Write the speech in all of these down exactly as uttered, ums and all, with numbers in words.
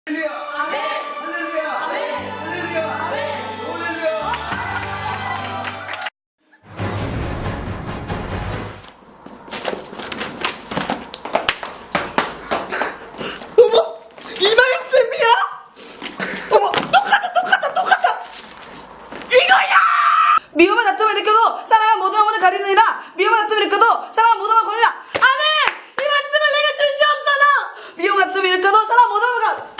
할렐루야! 아멘! 할렐루야! 아멘! 할렐루야! 아멘! 할렐루야! 어머! 이 말씀이야? 어머! 똑같아 똑같아 똑같아! 이거야! 미움을 다툼을 느껴도 사랑은 모든 영혼을 가리느니라. 미움을 다툼을 느껴도 사랑은 모든 영혼을 거리라. 아멘! 이 말씀을 내게 주시옵소서. 미움 다툼을 느껴도 사랑은 모든 영혼을 가...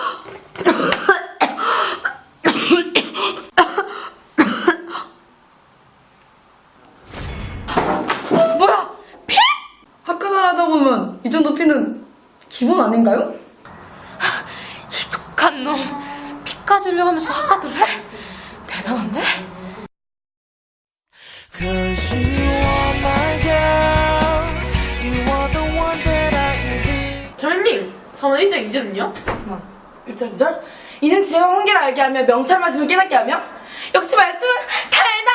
뭐야? 피? 학교생활 하다 보면 이 정도 피는 기본 아닌가요? 이 독한 놈, 피까지 흘려가면서 하가들 해? 대단한데? Cause you are my girl. You are the one that I envy. 자매님, 저는 일 장 이 절은요? 잠깐만. 일 절 이 절? 이는 지혜와 훈계를 알게 하며 명철 말씀을 깨닫게 하며 역시 말씀은 달다!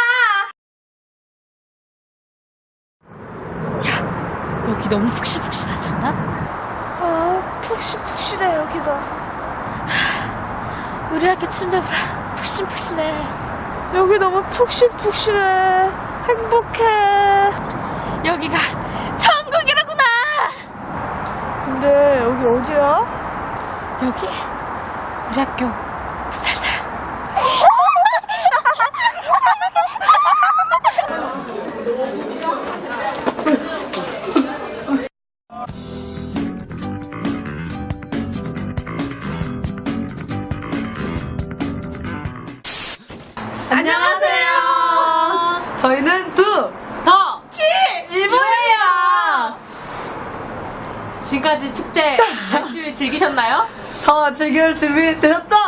여기 너무 푹신푹신하지 않아? 아 푹신푹신해 여기가. 우리 학교 침대보다 푹신푹신해. 여기 너무 푹신푹신해. 행복해. 여기가 천국이라구나. 근데 여기 어디야? 여기 우리 학교 살자요. 안녕하세요. 저희는 두 더 치 일본이에요. 지금까지 축제 열심히 즐기셨나요? 더 즐길 준비 되셨죠?